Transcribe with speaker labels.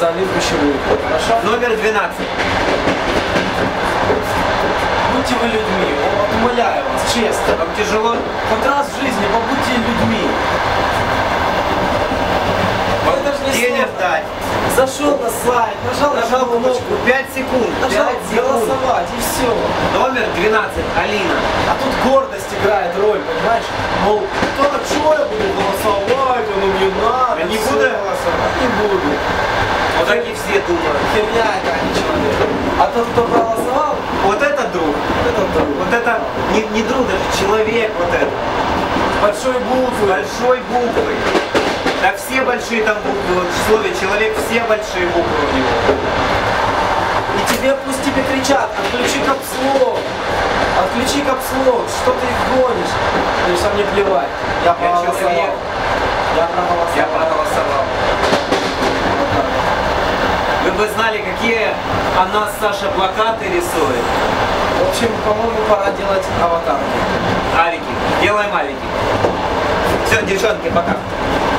Speaker 1: Давид Гущевой. Хорошо?
Speaker 2: Номер 12.
Speaker 1: Будьте вы людьми, вот, умоляю вас, честно.
Speaker 2: Вам тяжело?
Speaker 1: Хоть раз в жизни побудьте людьми. Это же не
Speaker 2: Денег
Speaker 1: сложно.
Speaker 2: дать.
Speaker 1: Зашел на сайт, нажал
Speaker 2: кнопку 5 секунд.
Speaker 1: нажал
Speaker 2: 5 секунд.
Speaker 1: голосовать и все.
Speaker 2: Номер 12. Алина.
Speaker 1: А тут гордость играет роль, понимаешь? Мол, так что я буду голосовать, оно мне надо.
Speaker 2: А не
Speaker 1: всё.
Speaker 2: буду я голосовать?
Speaker 1: Не буду.
Speaker 2: Вот так и все думают.
Speaker 1: Херня это, а не человек. А тот, кто проголосовал,
Speaker 2: Вот это друг.
Speaker 1: это друг.
Speaker 2: Вот это не друг, даже человек вот это.
Speaker 1: Большой буквы.
Speaker 2: Большой буквы. Да все большие там буквы. Вот в слове человек все большие буквы у него.
Speaker 1: И тебе пусть тебе кричат, отключи капслок. Отключи капслок, что ты их гонишь? То есть, а мне плевать. Я проголосовал.
Speaker 2: человек.
Speaker 1: Я проголосовал.
Speaker 2: Я проголосовал. Вы бы знали, какие о нас Саша плакаты рисует.
Speaker 1: В общем, по-моему, пора делать аватарки.
Speaker 2: Авики. Делаем авики. Все, девчонки, пока.